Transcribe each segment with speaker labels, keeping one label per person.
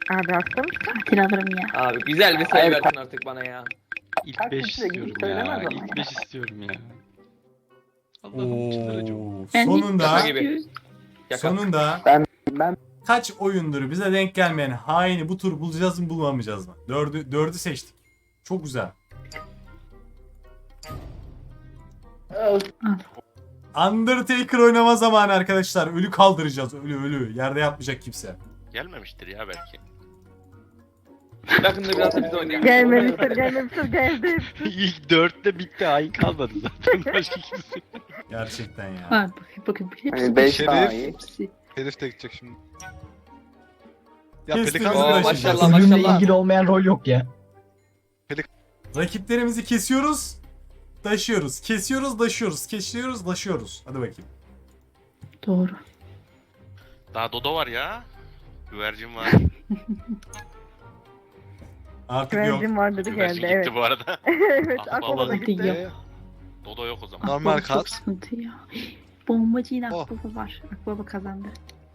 Speaker 1: Abi hasta mısın?
Speaker 2: Katil alırım ya.
Speaker 3: Abi güzel bir sayı versin artık bana ya.
Speaker 4: İlk 5 istiyorum ya. İlk 5 istiyorum ya. Allah'ım çıldıracağım.
Speaker 5: Oo,
Speaker 2: Ben
Speaker 5: sonunda
Speaker 3: Şaka gibi. Şaka.
Speaker 5: sonunda
Speaker 6: Ben
Speaker 5: kaç oyundur bize denk gelmeyen haini bu tur bulacağız mı bulamayacağız mı? Dördü seçtik. Çok güzel. Undertaker oynama zamanı arkadaşlar. Ölü kaldıracağız. Ölü. Yerde yatmayacak kimse.
Speaker 7: Gelmemiştir ya belki.
Speaker 3: Yakında biraz da biz oynayalım.
Speaker 1: Geldi.
Speaker 4: İlk 4'te bitti. Hain kalmadı zaten. Başka kimse.
Speaker 5: Gerçekten ya.
Speaker 2: Var bakın.
Speaker 6: hani 5
Speaker 8: Şerif.
Speaker 6: daha iyi.
Speaker 2: Hepsi.
Speaker 8: Herif de gidecek şimdi. Ya
Speaker 5: Kestim.
Speaker 8: Pelikan
Speaker 3: Oo,
Speaker 5: Taşıyacağız.
Speaker 3: maşallah
Speaker 9: Ölümle
Speaker 3: maşallah.
Speaker 9: ilgili olmayan rol yok ya.
Speaker 5: Rakiplerimizi kesiyoruz. Taşıyoruz. Kesiyoruz, taşıyoruz. Kesiyoruz, taşıyoruz. Hadi bakayım.
Speaker 2: Doğru.
Speaker 7: Daha Dodo var ya. Güvercin var.
Speaker 5: Artık yok.
Speaker 1: Güvercin var dedi
Speaker 7: Güvercin
Speaker 1: geldi
Speaker 7: gitti bu arada.
Speaker 1: evet
Speaker 7: Ah,
Speaker 1: aklıma da
Speaker 7: vallahi.
Speaker 1: gitti.
Speaker 2: Yok.
Speaker 7: Dodo yok o zaman.
Speaker 8: Normal
Speaker 2: Akbaba çok
Speaker 8: kat.
Speaker 2: sıkıntı ya. Bombacı yine
Speaker 8: Oh.
Speaker 2: Akbaba var. Akbaba kazandı.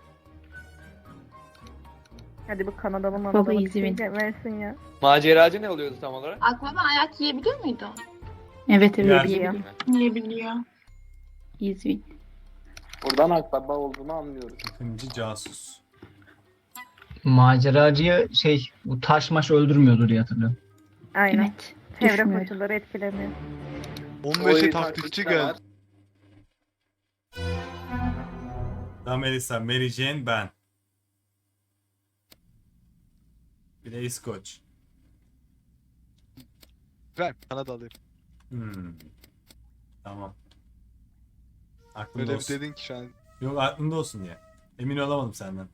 Speaker 1: Hadi bu Kanadalı
Speaker 2: Baba
Speaker 1: manalı bir
Speaker 2: izin
Speaker 1: şey versin ya.
Speaker 3: Maceracı ne oluyordu tam olarak?
Speaker 10: Akbaba ayak yiyebiliyor muydu?
Speaker 2: Evet
Speaker 5: Yer.
Speaker 2: yiyebiliyor.
Speaker 10: Yiyebiliyor.
Speaker 2: İzvin.
Speaker 6: Buradan akbaba olduğunu anlıyoruz.
Speaker 5: İkinci casus.
Speaker 9: Maceracıyı bu taş maş öldürmüyordu diye hatırlıyorum.
Speaker 1: Aynen.
Speaker 2: Evet.
Speaker 1: Çevre
Speaker 2: Düşmüyor.
Speaker 1: koşulları etkilemiyor.
Speaker 8: 15'e taktikçi geldi.
Speaker 5: Da Melissa, Mary Jane, ben. Bir de İskoç.
Speaker 8: Ver Kanada alayım.
Speaker 5: Tamam. Aklımda
Speaker 8: Öyle bir
Speaker 5: olsun.
Speaker 8: dedin ki şu an.
Speaker 5: Yok aklımda olsun diye. Emin olamadım senden.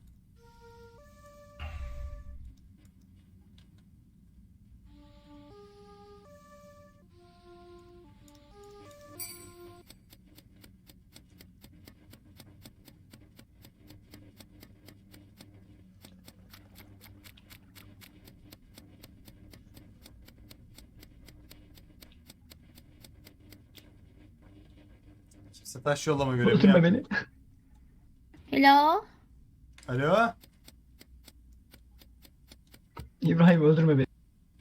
Speaker 5: Kimse taş yollama görevini
Speaker 9: Öldürme
Speaker 5: yapmıyor.
Speaker 9: beni.
Speaker 2: Hello.
Speaker 5: Alo?
Speaker 9: İbrahim öldürme beni.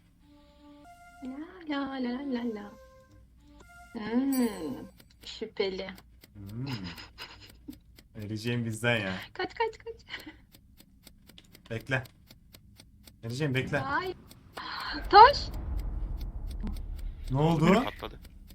Speaker 10: La la la la la. Şüpheli.
Speaker 5: Vereceğim bizden ya.
Speaker 10: Kaç.
Speaker 5: Bekle. Vereceğim bekle.
Speaker 10: Ay. Taş.
Speaker 5: Ne oldu?
Speaker 7: Patladı.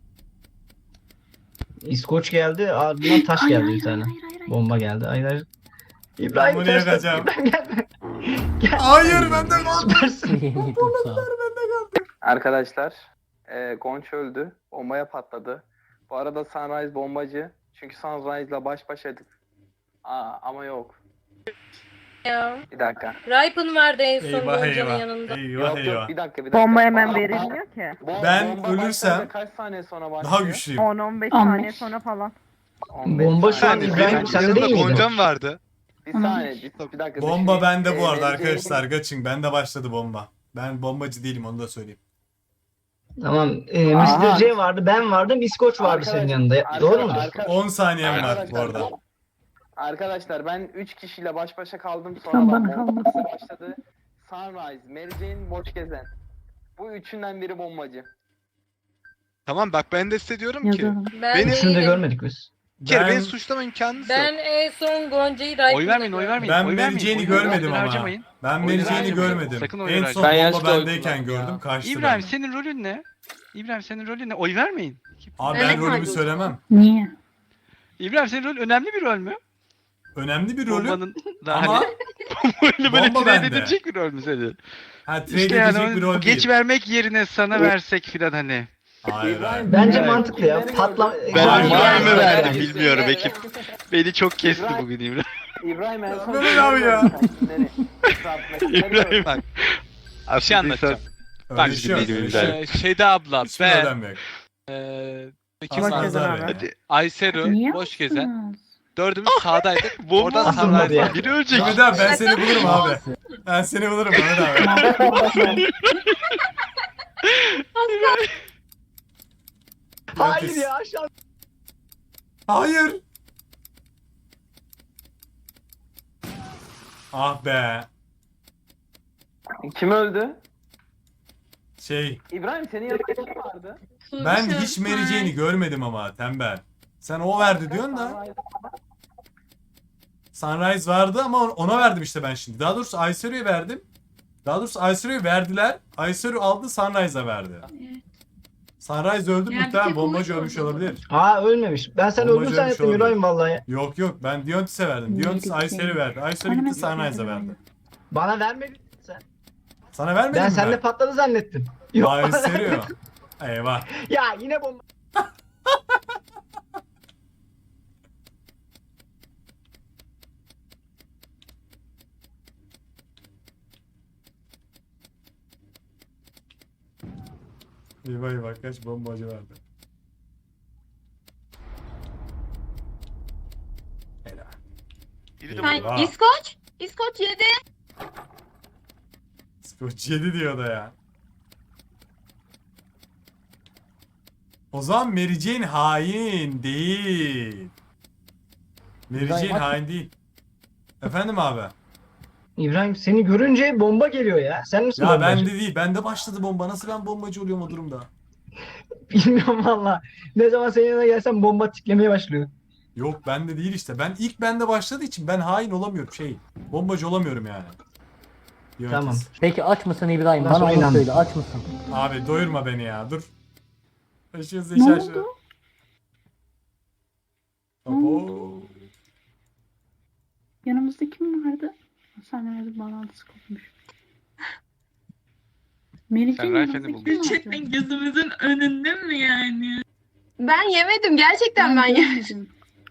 Speaker 9: İskoç geldi ardından taş geldi bir tane. Bomba geldi. Hayır. İbrahim
Speaker 5: bunu
Speaker 9: ters
Speaker 5: yakacağım.
Speaker 9: İbrahim gelme. Gel.
Speaker 5: Hayır bende kaldı.
Speaker 9: Süpersin.
Speaker 6: Arkadaşlar Gonç öldü. Bombaya patladı. Bu arada Sunrise bombacı. Çünkü Sunrise'la baş başaydık. Ama yok.
Speaker 10: Ya.
Speaker 6: Bir dakika.
Speaker 10: Ripen vardı en son
Speaker 5: Eyvah
Speaker 10: Gonca'nın
Speaker 5: eyvah.
Speaker 10: yanında.
Speaker 5: Eyvah eyvah.
Speaker 6: Bir dakika.
Speaker 1: Bomba hemen
Speaker 6: Bana-
Speaker 1: verilmiyor ki.
Speaker 5: Ben
Speaker 6: bomba
Speaker 5: ölürsem
Speaker 6: başlayınca kaç saniye sonra başlıyor?
Speaker 5: Daha güçlüyüm.
Speaker 1: 10-15
Speaker 2: 15.
Speaker 1: saniye sonra falan.
Speaker 6: 15
Speaker 9: Bomba şu an
Speaker 6: saniye.
Speaker 9: İbrahim
Speaker 8: Benim
Speaker 9: sende
Speaker 8: yanımda
Speaker 9: değil miydi?
Speaker 8: Goncam vardı.
Speaker 6: Bir saniye. Bir dakika.
Speaker 5: Bomba
Speaker 6: düşüneyim.
Speaker 5: bende bu arada
Speaker 6: Mary Jane-
Speaker 5: arkadaşlar. Kaçın. Bende başladı bomba. Ben bombacı değilim onu da söyleyeyim.
Speaker 9: Tamam.
Speaker 6: Aha.
Speaker 9: Mr. C vardı, ben vardım, İskoç vardı senin yanında. Doğru mudur?
Speaker 5: 10 saniyem var bu arada.
Speaker 6: Arkadaşlar ben 3 kişiyle baş başa kaldım.
Speaker 2: Sen
Speaker 6: Sonra
Speaker 2: bana
Speaker 6: bomba
Speaker 2: kalmasın.
Speaker 6: başladı. Sunrise, Mary Jane, Boş Gezen. Bu üçünden biri bombacı.
Speaker 8: Tamam bak ben de size diyorum ki.
Speaker 2: Yazalım.
Speaker 10: Ben
Speaker 8: Beni-
Speaker 9: Üçünü de
Speaker 10: değilim.
Speaker 9: görmedik biz.
Speaker 8: Bir kere
Speaker 5: Ben-
Speaker 8: beni suçlama imkanınız yok.
Speaker 10: Ben en son Gonca'yı Ripen'da
Speaker 4: Oy vermeyin, oy vermeyin.
Speaker 5: Ben
Speaker 4: oy
Speaker 5: Mary
Speaker 4: vermeyin,
Speaker 5: Jane'i
Speaker 4: oy
Speaker 5: görmedim
Speaker 4: vermeyin,
Speaker 5: ama.
Speaker 4: harcamayın.
Speaker 5: Ben
Speaker 4: Oy
Speaker 5: Mary Jane'i
Speaker 4: harcamayın.
Speaker 5: görmedim.
Speaker 4: Sakın oy
Speaker 5: En
Speaker 4: harcamayın.
Speaker 5: son
Speaker 3: Ben
Speaker 5: bomba
Speaker 3: yanlışlıkla
Speaker 5: bendeyken
Speaker 3: oy kullandım
Speaker 5: gördüm.
Speaker 3: ya.
Speaker 5: Kaçtı
Speaker 4: İbrahim
Speaker 5: benden.
Speaker 4: senin rolün ne? İbrahim senin rolün ne? Oy vermeyin.
Speaker 5: Abi
Speaker 10: Ben
Speaker 5: ben
Speaker 10: de
Speaker 5: rolümü
Speaker 10: kaybettim.
Speaker 5: söylemem.
Speaker 2: Niye?
Speaker 4: İbrahim senin rolün önemli bir rol mü?
Speaker 5: Önemli bir rolü
Speaker 4: Bombanın da
Speaker 5: ama
Speaker 4: hani bombayla böyle
Speaker 5: bomba
Speaker 4: trade
Speaker 5: bende.
Speaker 4: edilecek bir rol mü senin?
Speaker 5: ha trade
Speaker 4: İşte
Speaker 5: edecek
Speaker 4: yani
Speaker 5: bir
Speaker 4: onu
Speaker 5: rol
Speaker 4: geç
Speaker 5: değil.
Speaker 4: vermek yerine sana versek filan hani.
Speaker 5: Hayır hayır.
Speaker 9: Bence
Speaker 6: Evet.
Speaker 9: mantıklı ya. Patla...
Speaker 4: Ben
Speaker 6: Hayır,
Speaker 4: var
Speaker 6: hayır,
Speaker 4: mı
Speaker 6: hayır,
Speaker 4: verdim
Speaker 6: hayır.
Speaker 4: bilmiyorum
Speaker 6: Evet.
Speaker 4: ekip. Beni çok kesti
Speaker 6: İbrahim-
Speaker 4: bugün İbrahim.
Speaker 6: İbrahim en son...
Speaker 5: Mehmet abi ya.
Speaker 4: İbrahim bak. Bir şey anlatacağım.
Speaker 5: Bak
Speaker 4: şimdi
Speaker 5: şimdi
Speaker 4: benim
Speaker 5: şey,
Speaker 4: Şeyda abla,
Speaker 5: hiçbir
Speaker 4: ben,
Speaker 5: önem yok.
Speaker 4: kim
Speaker 1: Boş
Speaker 5: Hasan
Speaker 4: var?
Speaker 1: Gezen
Speaker 5: Azar
Speaker 1: abi.
Speaker 5: Bey.
Speaker 4: Hadi Ayseru,
Speaker 2: Niye
Speaker 4: boş gezen.
Speaker 2: yaptınız?
Speaker 4: Dördümüz sağdaydık. Oradan
Speaker 9: Asılmadı
Speaker 4: sağdaydık.
Speaker 9: ya.
Speaker 4: Biri ölecek.
Speaker 5: Mehmet abi ben seni bulurum abi. Ben seni bulurum Mehmet abi.
Speaker 9: Hayır ya aşağı.
Speaker 5: Hayır. Ah be.
Speaker 6: Kim öldü?
Speaker 5: Şey,
Speaker 6: İbrahim senin yanında kim vardı?
Speaker 5: ben hiç Mary Jane'i görmedim ama tembel. Sen o verdi diyorsun da. Sunrise vardı ama ona verdim işte ben şimdi. Daha doğrusu Aysero'ya verdim. Daha doğrusu Aysero'ya verdiler. Aysero aldı Sunrise'a verdi. Sunrise öldü
Speaker 2: Yani bir
Speaker 5: muhtemelen
Speaker 2: tek
Speaker 5: bombacı
Speaker 2: o
Speaker 5: ölmüş
Speaker 2: oldu.
Speaker 5: olabilir.
Speaker 9: Aa ölmemiş. Ben sen
Speaker 5: Bombacı
Speaker 9: öldün
Speaker 5: ölmüş
Speaker 9: zannettim
Speaker 5: olabilir.
Speaker 9: İbrahim vallahi.
Speaker 5: Yok yok ben Diontis'e verdim. Diontis
Speaker 2: Mary
Speaker 5: Aysero'ya
Speaker 2: Jane.
Speaker 5: verdi. Aysero
Speaker 2: Bana
Speaker 5: gitti
Speaker 2: Mary
Speaker 5: Sunrise'a
Speaker 2: Jane
Speaker 5: verdi.
Speaker 9: Bana vermedin sen.
Speaker 5: Sana vermedim
Speaker 9: Ben
Speaker 5: mi
Speaker 9: seninle patladı zannettim. Yok.
Speaker 5: Aysero. Eyvah.
Speaker 9: Ya yine bomba.
Speaker 5: Eyvah eyvah kaç bombacı verdi. Helal.
Speaker 7: Biri de
Speaker 5: Hayır.
Speaker 7: burada.
Speaker 5: Vay.
Speaker 10: İskoç. İskoç yedi.
Speaker 5: Scotch 7 diyor da ya. O zaman Mary Jane hain değil. Mary Jane hain değil. Efendim abi.
Speaker 9: İbrahim seni görünce bomba geliyor ya. Sen misin
Speaker 5: Ya
Speaker 9: bombacı?
Speaker 5: bende değil. Bende başladı bomba. Nasıl ben bombacı oluyorum o durumda?
Speaker 9: Bilmiyorum valla. Ne zaman senin yanına gelsem bomba tiklemeye başlıyor.
Speaker 5: Yok bende değil işte. Ben ilk bende başladığı için ben hain olamıyorum şey. Bombacı olamıyorum yani. Yönetiz.
Speaker 9: Tamam.
Speaker 11: Peki aç mısın İbrahim?
Speaker 9: Nasıl
Speaker 11: Bana onu
Speaker 9: oynandın?
Speaker 11: söyle. Aç mısın?
Speaker 5: Abi doyurma beni ya. Dur. Şaşı
Speaker 2: Ne
Speaker 5: şaşı.
Speaker 2: oldu?
Speaker 5: Abo.
Speaker 2: Yanımızda kim vardı? Sunrise bağlantısı kopmuş. Mary
Speaker 4: Sen
Speaker 2: Jane
Speaker 4: Rayfen'i
Speaker 2: yanımızda
Speaker 4: buldun.
Speaker 2: kim vardı?
Speaker 10: gözümüzün önünde mi yani? Ben yemedim gerçekten ben
Speaker 2: görmedim.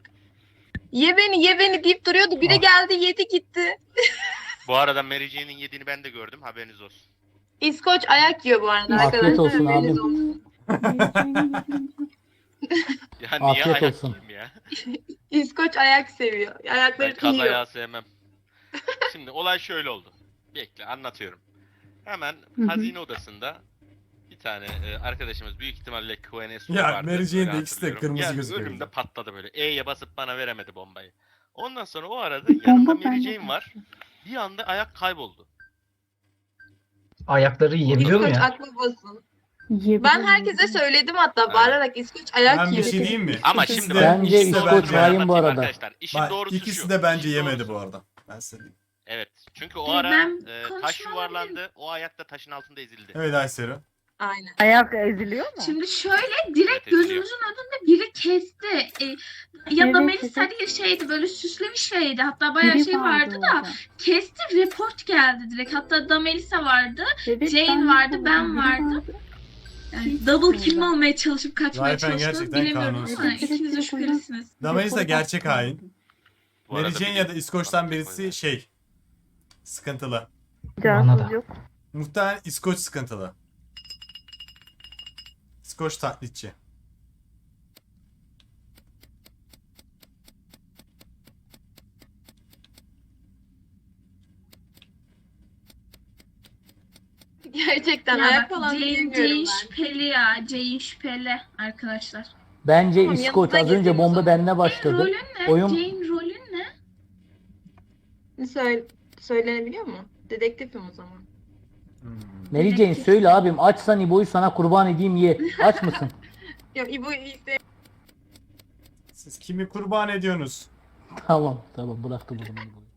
Speaker 10: Ye beni deyip duruyordu. Biri
Speaker 5: Ah.
Speaker 10: geldi yedi gitti.
Speaker 7: Bu arada Mary Jane'in yediğini ben de gördüm. Haberiniz olsun.
Speaker 10: İskoç ayak yiyor bu arada
Speaker 11: Afiyet
Speaker 10: arkadaşlar.
Speaker 11: olsun
Speaker 10: haberiniz
Speaker 11: abim.
Speaker 10: olsun.
Speaker 2: Mary Jane'in yediğini-
Speaker 7: Ya niye
Speaker 11: Afiyet
Speaker 7: ayak
Speaker 11: olsun.
Speaker 7: yiyeyim ya?
Speaker 10: İskoç ayak seviyor.
Speaker 7: Ben
Speaker 10: Ayakları
Speaker 7: kaz
Speaker 10: yiyor.
Speaker 7: ayağı sevmem. Şimdi olay şöyle oldu. Bekle anlatıyorum. Hemen
Speaker 2: hı.
Speaker 7: hazine odasında bir tane arkadaşımız büyük ihtimalle QNS
Speaker 5: Ya,
Speaker 7: vardı.
Speaker 5: Mary Jane de
Speaker 7: öyle
Speaker 5: ikisi de
Speaker 7: hatırlıyorum.
Speaker 5: kırmızı
Speaker 7: Geldi,
Speaker 5: gözüküyor
Speaker 7: önümde
Speaker 5: bize.
Speaker 7: patladı böyle. E'ye basıp bana veremedi bombayı. Ondan sonra o arada
Speaker 2: Bomba
Speaker 7: yanında Mary
Speaker 2: bende
Speaker 7: Jane var. Bir anda ayak kayboldu.
Speaker 9: Ayakları yiyebiliyor mu
Speaker 10: İskoç
Speaker 9: ya?
Speaker 10: aklı basın.
Speaker 2: Yiyebilirim,
Speaker 10: Ben herkese
Speaker 2: yiyebilirim.
Speaker 10: söyledim hatta
Speaker 7: Evet.
Speaker 10: bağırarak İskoç ayak
Speaker 5: Ben bir
Speaker 10: yiyor.
Speaker 5: şey diyeyim mi?
Speaker 7: Ama
Speaker 5: İkisi
Speaker 7: şimdi
Speaker 5: de-
Speaker 11: Bence
Speaker 5: ikisi de
Speaker 11: İskoç
Speaker 5: bence-
Speaker 11: hain bu arada.
Speaker 7: Arkadaşlar işin
Speaker 5: Bak,
Speaker 7: doğrusu
Speaker 5: ikisi
Speaker 7: şu.
Speaker 5: de bence
Speaker 7: İşin
Speaker 5: yemedi
Speaker 7: doğrusu-
Speaker 5: bu arada. Ben size diyeyim.
Speaker 7: Evet. Çünkü o ara
Speaker 10: Ben
Speaker 7: taş
Speaker 10: konuşma
Speaker 7: yuvarlandı. O ayak da taşın altında ezildi.
Speaker 5: Evet Aysero.
Speaker 10: Aynen.
Speaker 1: Ayak eziliyor mu?
Speaker 12: Şimdi şöyle
Speaker 7: Evet,
Speaker 12: direkt
Speaker 7: eziliyor.
Speaker 12: gözümüzün önünde biri kesti. Ya
Speaker 2: Evet,
Speaker 12: da Melis
Speaker 2: evet.
Speaker 12: Aliye şeydi böyle süslemiş şeydi. Hatta bayağı
Speaker 2: Biri
Speaker 12: şey vardı da
Speaker 2: orada.
Speaker 12: kesti report geldi direkt. Hatta da Melisa vardı.
Speaker 2: Evet,
Speaker 12: Jane
Speaker 2: ben
Speaker 12: vardı,
Speaker 2: de
Speaker 12: ben
Speaker 2: biri
Speaker 12: vardı. Yani
Speaker 2: Hiç
Speaker 12: double
Speaker 2: orada.
Speaker 12: kill olmaya çalışıp kaçmaya
Speaker 5: Rayfen
Speaker 12: çalıştım.
Speaker 5: gerçekten
Speaker 12: Bilemiyorum
Speaker 5: kanunsuz.
Speaker 12: ama
Speaker 2: Evet,
Speaker 12: ikiniz de
Speaker 2: evet,
Speaker 12: şüphelisiniz.
Speaker 5: Damelisa
Speaker 2: Report
Speaker 5: gerçek
Speaker 2: attım.
Speaker 5: hain.
Speaker 7: Bu
Speaker 5: Mary
Speaker 7: arada
Speaker 5: Jane
Speaker 7: bir-
Speaker 5: ya da İskoç'tan
Speaker 7: bana
Speaker 5: birisi
Speaker 7: koydu.
Speaker 5: şey. Sıkıntılı.
Speaker 9: Bana
Speaker 1: Cansız
Speaker 9: da.
Speaker 1: yok.
Speaker 5: Muhtemelen İskoç sıkıntılı. İskoç taklitçi.
Speaker 10: Gerçekten
Speaker 12: Ya
Speaker 10: ayak
Speaker 12: bak,
Speaker 10: falan
Speaker 12: Jane
Speaker 10: bilmiyorum ben.
Speaker 12: şüpheli ya. Jane şüpheli arkadaşlar.
Speaker 11: Bence
Speaker 10: Tamam,
Speaker 11: İskoç
Speaker 10: yanınıza
Speaker 11: az önce
Speaker 10: gezeyim o
Speaker 11: bomba
Speaker 10: zaman.
Speaker 11: bende
Speaker 12: Jane
Speaker 11: başladı.
Speaker 12: rolün ne?
Speaker 11: Oyun
Speaker 12: Jane rolün ne?
Speaker 10: Söylenebiliyor mu? Dedektifim o zaman.
Speaker 11: Mary Jane söyle abim açsan İbo'yu sana kurban edeyim ye. Aç mısın?
Speaker 10: Ya İbo'yu işte
Speaker 5: Siz kimi kurban ediyorsunuz?
Speaker 11: Tamam bıraktım o zaman İbo'yu.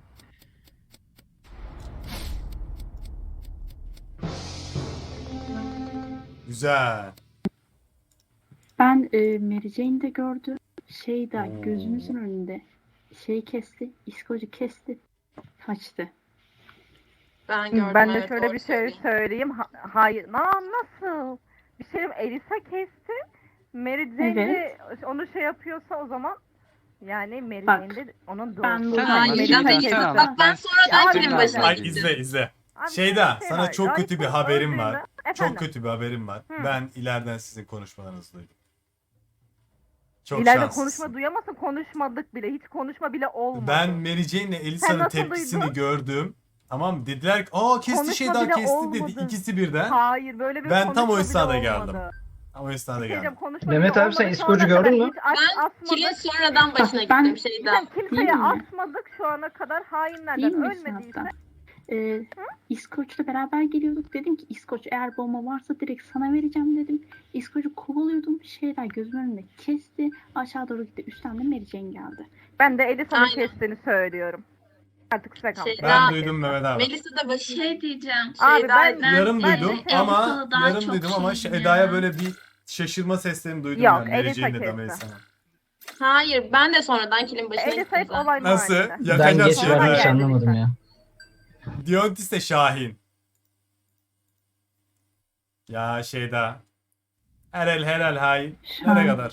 Speaker 5: Güzel.
Speaker 2: Ben Mary Jane'i de gördüm. Şey de
Speaker 5: Oo.
Speaker 2: gözümüzün önünde. Şey kesti. İskoç'u kesti. Kaçtı.
Speaker 10: ben gördüm.
Speaker 1: Ben de
Speaker 10: evet,
Speaker 1: şöyle
Speaker 10: doğru
Speaker 1: bir şey
Speaker 10: söylüyorsun.
Speaker 1: söyleyeyim. Hayır. Nasıl? Bir şey Elisa kesti. Mary Jane de onu şey yapıyorsa o zaman yani Mary
Speaker 2: Bak,
Speaker 1: Jane de onun doğru.
Speaker 2: ben
Speaker 8: Sen
Speaker 2: burada-
Speaker 8: anlat,
Speaker 10: Hayır,
Speaker 8: sen
Speaker 10: hayır.
Speaker 8: anlat.
Speaker 10: Bak ben sonradan
Speaker 1: Ya,
Speaker 10: kimin
Speaker 1: abi,
Speaker 10: başına
Speaker 5: Bak
Speaker 10: gittim.
Speaker 5: izle.
Speaker 1: Abi,
Speaker 5: Şeyda
Speaker 1: bir şey
Speaker 5: sana
Speaker 1: var.
Speaker 5: çok kötü bir
Speaker 1: Rayfon
Speaker 5: haberim var.
Speaker 1: öldüğünde-
Speaker 5: Çok
Speaker 1: Efendim?
Speaker 5: kötü bir haberim var.
Speaker 1: Hı.
Speaker 5: Ben ileriden sizin konuşmalarınızı duydum. Çok
Speaker 1: İleride
Speaker 5: şanslısın.
Speaker 1: konuşma duyamazsın. Konuşmadık bile. Hiç konuşma bile olmadı.
Speaker 5: Ben Mary Jane ile
Speaker 1: Sen
Speaker 5: Elisa'nın
Speaker 1: nasıl
Speaker 5: tepkisini
Speaker 1: duydun?
Speaker 5: gördüm. Tamam mı? Dediler ki aa kesti
Speaker 1: Konuşma
Speaker 5: Şeyda
Speaker 1: bile
Speaker 5: kesti dedi.
Speaker 1: olmadı.
Speaker 5: İkisi birden.
Speaker 1: Hayır böyle bir
Speaker 5: Ben
Speaker 1: konuşma
Speaker 5: tam o
Speaker 1: bile
Speaker 5: esnada
Speaker 1: olmadı.
Speaker 5: geldim. Ama o esnada
Speaker 1: Diyeceğim,
Speaker 5: geldim.
Speaker 1: konuşma
Speaker 9: Mehmet
Speaker 1: bile
Speaker 9: abi sen
Speaker 1: olmadı. Şu
Speaker 9: İskoç'u
Speaker 1: ana kadar
Speaker 9: gördün mü?
Speaker 1: hiç
Speaker 10: Ben
Speaker 1: asmadık.
Speaker 10: kilin sonradan başına
Speaker 2: Ben-
Speaker 10: gittim şeyden.
Speaker 1: Kimseye
Speaker 2: Değil mi?
Speaker 1: asmadık şu ana kadar
Speaker 2: Değil
Speaker 1: hainlerden
Speaker 2: mi
Speaker 1: ölmediyse.
Speaker 2: zaten? İskoç'la beraber geliyorduk. Dedim ki İskoç eğer bomba varsa direkt sana vereceğim dedim. İskoç'u kovalıyordum. Şeyler gözümün önünde kesti. Aşağı doğru gitti. Üstten de Mary Jane geldi.
Speaker 1: Ben de Elisa'nın
Speaker 10: Aynen.
Speaker 1: kestiğini söylüyorum. Artık size kalmış.
Speaker 5: Ben duydum Mehmet abi.
Speaker 10: Melisa da başı
Speaker 12: Şey diyeceğim.
Speaker 1: Abi ben
Speaker 5: Yarım
Speaker 12: ben
Speaker 5: duydum
Speaker 12: de
Speaker 5: ama
Speaker 12: Elisa'da daha
Speaker 5: yarım
Speaker 12: çok
Speaker 5: duydum ama
Speaker 12: şeyim ya.
Speaker 5: Eda'ya böyle bir şaşırma seslerini duydum
Speaker 1: Yok,
Speaker 5: yani. Mary
Speaker 1: Elisa
Speaker 5: Jane'le de
Speaker 1: kesti.
Speaker 5: Melisa'nın.
Speaker 10: Hayır ben de sonradan kilin başına
Speaker 1: Elisa
Speaker 10: gittim
Speaker 1: hep
Speaker 10: zaten.
Speaker 1: olay
Speaker 5: Nasıl?
Speaker 1: mahallinde.
Speaker 9: Ben
Speaker 5: Yakacağız
Speaker 9: geç
Speaker 1: Sonra
Speaker 9: verdim
Speaker 5: şimdi.
Speaker 9: hiç
Speaker 1: geldi
Speaker 9: anlamadım
Speaker 1: lütfen.
Speaker 9: ya.
Speaker 5: Diontis de Şahin. Ya Şeyda. Helal hain. Nereye
Speaker 2: Şahin.
Speaker 5: kadar?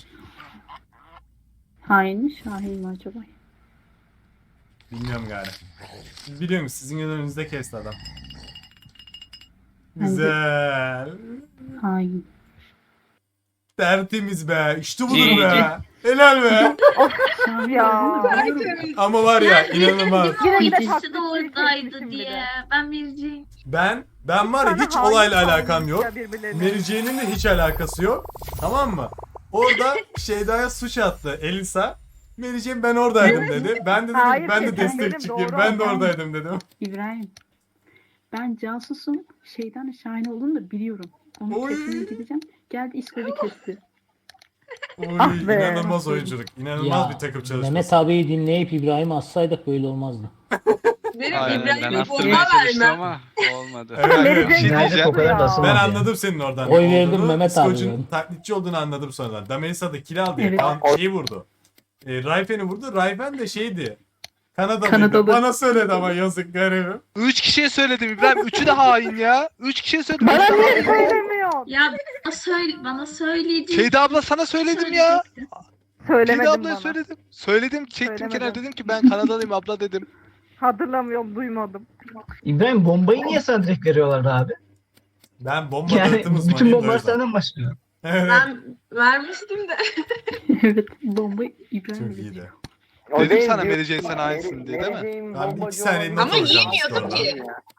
Speaker 2: Hain mi Şahin mi acaba?
Speaker 5: Bilmiyorum galiba. Siz biliyor musunuz? Sizin önünüzde kesti adam.
Speaker 2: Bence-
Speaker 5: Güzel.
Speaker 2: Hain.
Speaker 5: Tertemiz be. İşte budur be. Helal be.
Speaker 2: Şahin
Speaker 1: Ya.
Speaker 2: olduğunu biliyorum.
Speaker 5: Ama var ya inanılmaz.
Speaker 1: Yine
Speaker 2: İkisi
Speaker 12: İkisi de
Speaker 1: taklitçilik
Speaker 12: oradaydı
Speaker 1: çekmişim bir
Speaker 12: diye.
Speaker 1: de.
Speaker 12: Ben vereceğim.
Speaker 5: Ben var ya
Speaker 1: Sana
Speaker 5: hiç
Speaker 1: hain
Speaker 5: olayla
Speaker 1: sandım
Speaker 5: alakam yok.
Speaker 1: ya birbirlerine.
Speaker 5: Mary Jane'in de hiç alakası yok. Tamam mı? Orada Şeyda'ya suç attı Elisa. Mary Jane ben oradaydım dedi. Ben de dedim
Speaker 1: Hayır,
Speaker 5: ben de
Speaker 1: sen
Speaker 5: destek
Speaker 1: benim,
Speaker 5: çıkayım.
Speaker 1: doğru
Speaker 5: Ben de
Speaker 1: adam.
Speaker 5: oradaydım dedim.
Speaker 2: İbrahim. Ben casusum. Şeyden Şahin olduğunu da biliyorum. Onu
Speaker 5: Oy.
Speaker 2: kesmeye gideceğim. Geldi İskoç'u kesti.
Speaker 5: Oy,
Speaker 1: Ah be.
Speaker 5: inanılmaz oyunculuk. İnanılmaz bir takım çalışması.
Speaker 11: Mehmet abiyi dinleyip İbrahim'i assaydık böyle olmazdı.
Speaker 10: Benim
Speaker 4: Aynen ben
Speaker 10: İbrahim'e
Speaker 4: astırmaya
Speaker 10: bomba
Speaker 4: çalıştım
Speaker 10: vermem.
Speaker 4: ama olmadı.
Speaker 5: Evet,
Speaker 1: Mary
Speaker 5: evet.
Speaker 1: Jane
Speaker 4: Bir şey
Speaker 1: çok
Speaker 4: diyeceğim.
Speaker 9: o kadar da
Speaker 1: ya.
Speaker 9: asılmaz
Speaker 5: Ben
Speaker 9: ya.
Speaker 5: anladım senin oradan.
Speaker 11: Oy
Speaker 5: ne
Speaker 11: verdim
Speaker 5: olduğunu.
Speaker 11: Mehmet abi
Speaker 5: Skoç'un
Speaker 11: ben.
Speaker 5: taklitçi olduğunu anladım sonradan. Damelisa da kill aldı ya.
Speaker 2: Evet.
Speaker 5: Şeyi vurdu. Rayfen'i vurdu. Rayfen de şeydi. Kanadalıydı.
Speaker 2: Kanadalı.
Speaker 5: Bana söyledi ama yazık garibim.
Speaker 8: 3 kişiye söyledim İbrahim. 3'ü de hain ya. 3 kişiye söyledim.
Speaker 1: Bana
Speaker 8: Üçü de
Speaker 1: niye
Speaker 8: hain.
Speaker 1: söylemiyorsun?
Speaker 12: Ya bana söyleyeceksin.
Speaker 8: Şeyda abla sana söyledim ya. Şeyda
Speaker 1: Söylemedim
Speaker 8: ablaya
Speaker 1: bana.
Speaker 8: söyledim. Söyledim çektim
Speaker 1: Söylemedim.
Speaker 8: kenara dedim ki ben Kanadalıyım abla dedim.
Speaker 1: Hatırlamıyorum, duymadım.
Speaker 9: İbrahim bombayı niye sana direkt veriyorlardı abi?
Speaker 5: Ben bomba
Speaker 9: Yani
Speaker 5: dağıtım
Speaker 9: bütün
Speaker 5: uzmanıyım da o
Speaker 9: bombalar
Speaker 5: yüzden.
Speaker 9: senden başlıyor.
Speaker 5: Evet.
Speaker 10: Ben vermiştim de.
Speaker 2: Evet. Bomba İbrahim.
Speaker 5: Çok iyiydi.
Speaker 6: O
Speaker 8: Dedim
Speaker 6: değil,
Speaker 8: sana
Speaker 6: diyor-
Speaker 8: Mary Jane sana aitsin diye, değil mi?
Speaker 6: Mary Jane
Speaker 5: Ben bir
Speaker 6: bombacı
Speaker 5: iki saniye
Speaker 6: olabilir.
Speaker 5: not
Speaker 10: Ama
Speaker 5: alacağım
Speaker 10: yemiyordu
Speaker 5: Discord'dan.
Speaker 10: ki.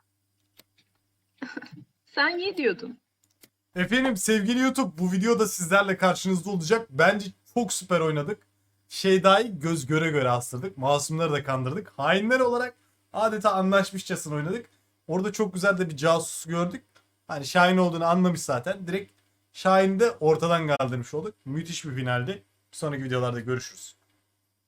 Speaker 10: Sen ye diyordun.
Speaker 5: Efendim sevgili YouTube bu videoda sizlerle karşınızda olacak. Bence çok süper oynadık. Şeyda'yı göz göre göre astırdık. Masumları da kandırdık. Hainler olarak adeta anlaşmışçasına oynadık. Orada çok güzel de bir casus gördük. Hani Şahin olduğunu anlamış zaten. Direkt Şahin'i de ortadan kaldırmış olduk. Müthiş bir finaldi. Bir sonraki videolarda görüşürüz.